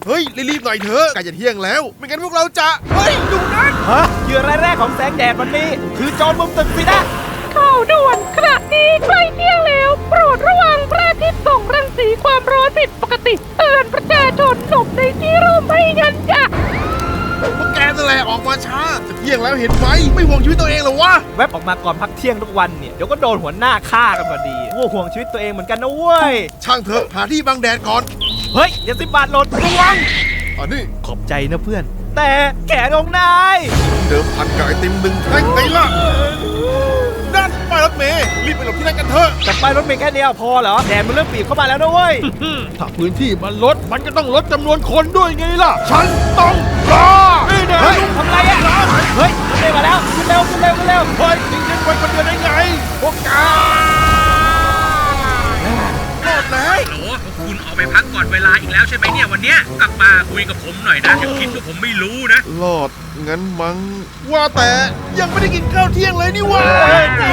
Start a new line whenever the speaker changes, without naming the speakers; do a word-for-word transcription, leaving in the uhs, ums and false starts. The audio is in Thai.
เฮ้ยรีบๆหน่อยเถอะใกล้จะเที่ยงแล้วไม่งั้นพวกเราจะเฮ้ยดูนั่น
ฮะเหยื่อรายแรกของแสงแดดวันนี้ คือโจรมุมตึกสินะ
ข่าวด่วนขณะนี้ใกล้เที่ยงแล้วโปรดระวังพระอาทิตย์ส่งรังสีความร้อนผิดปกติเตือนประชาชนหลบในที่ร่มไม่งั้นจะ
พวกแกนั่นแหละออกมาช้าจะเที่ยงแล้วเห็นไหมไม่ห่วงชีวิตตัวเองเหรอวะ
แวบออกมาก่อนพักเที่ยงทุกวันเนี่ย เดี๋ยวก็โดนหัวหน้าฆ่ากันพอดีว่าห่วงชีวิตตัวเองเหมือนกันนะเว้ย
ช่างเถอะหาที่บังแดดก่อน
เฮ้ยเดี๋ยวสิบบาทหล่นระวัง
อันนี้
ขอบใจนะเพื่อน แต่แขนของนาย
เดิมพันกับไอติมหนึ่งแท่งไงล่ะนั่นป้ายรถเมล์รีบไปหลบที่นั่นกันเถอะ
แต่ป้ายรถเมล์แค่เดียวพอเหรอแดดมันเริ่มบีบเข้ามาแล้วนะเว้ย
ถ้าพื้นที่มันลดมันก็ต้องลดจำนวนคนด้วยไงล่ะฉันต้องรอนี่นะ
เฮ้ยทำไรอ่ะเฮ้ยขึ้นเร็วมาแล้วขึ้นเร็วขึ้นเร็วขึ้นเร็ว
เฮ้ยทิ้งฉันไว้คนเดียวได้ไงพวกแกรอดแล้ว
โหลคุณออกไปพักก่อนเวลาอีกแล้วใช่ไหมเนี่ยวันเนี้ยกลับมาคุยกับผมหน่อยนะอย่าคิดว่าผมไม่รู้นะ
รอดงั้นมั้งว่าแต่ยังไม่ได้กินข้าวเที่ยงเลยนี่วะ
เฮ้ยไง